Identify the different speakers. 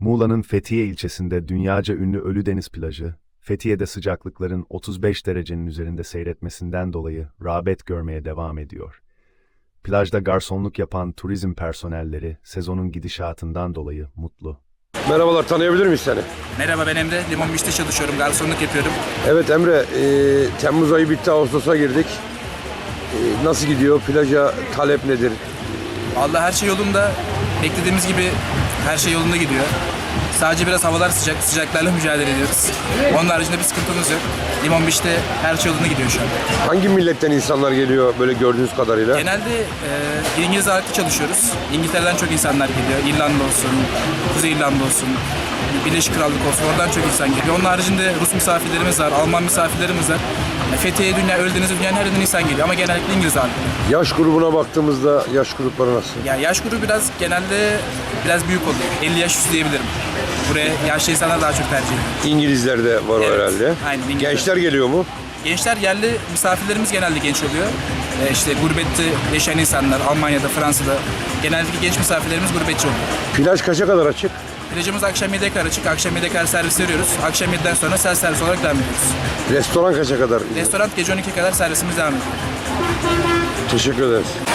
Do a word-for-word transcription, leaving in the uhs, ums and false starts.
Speaker 1: Muğla'nın Fethiye ilçesinde dünyaca ünlü Ölüdeniz plajı, Fethiye'de sıcaklıkların otuz beş derecenin üzerinde seyretmesinden dolayı rağbet görmeye devam ediyor. Plajda garsonluk yapan turizm personelleri sezonun gidişatından dolayı mutlu.
Speaker 2: Merhabalar, tanıyabilir miyiz seni?
Speaker 3: Merhaba, ben Emre. Limon Beach'te çalışıyorum. Garsonluk yapıyorum.
Speaker 2: Evet Emre, e, Temmuz ayı bitti, Ağustos'a girdik. E, nasıl gidiyor? Plaja talep nedir?
Speaker 3: Vallahi her şey yolunda. Beklediğimiz gibi her şey yolunda gidiyor. Sadece biraz havalar sıcak. Sıcaklarla mücadele ediyoruz. Onun haricinde bir sıkıntımız yok. Limon Beach'te her şey yolunda gidiyor şu an.
Speaker 2: Hangi milletten insanlar geliyor böyle gördüğünüz kadarıyla?
Speaker 3: Genelde e, İngiliz ağırlıklı çalışıyoruz. İngiltere'den çok insanlar geliyor. İrlanda olsun, Kuzey İrlanda olsun, Birleşik Krallık olsun. Oradan çok insan geliyor. Onun haricinde Rus misafirlerimiz var, Alman misafirlerimiz var. E, Fethiye, dünya, Ölüdeniz, dünyanın her yerinden insan geliyor ama genellikle İngiliz ağırlıklı.
Speaker 2: Yaş grubuna baktığımızda yaş grupları nasıl?
Speaker 3: Ya yaş grubu biraz genelde biraz büyük oluyor. elli yaş üstü diyebilirim. Buraya yaşlı insanlar daha çok tercih ediyor.
Speaker 2: İngilizler de var
Speaker 3: Evet,
Speaker 2: herhalde.
Speaker 3: aynen, İngilizler.
Speaker 2: Gençler geliyor mu?
Speaker 3: Gençler, yerli misafirlerimiz genelde genç oluyor. Ee, işte gurbette yaşayan insanlar, Almanya'da, Fransa'da genellikle genç misafirlerimiz gurbetçi oluyor.
Speaker 2: Plaj kaça kadar açık?
Speaker 3: Plajımız akşam yediye kadar açık. Akşam yediye kadar servis veriyoruz. Akşam yediden sonra self servis olarak devam ediyoruz.
Speaker 2: Restoran kaça kadar?
Speaker 3: Restoran gece on ikiye kadar servisimiz devam ediyor.
Speaker 2: Teşekkür ederiz.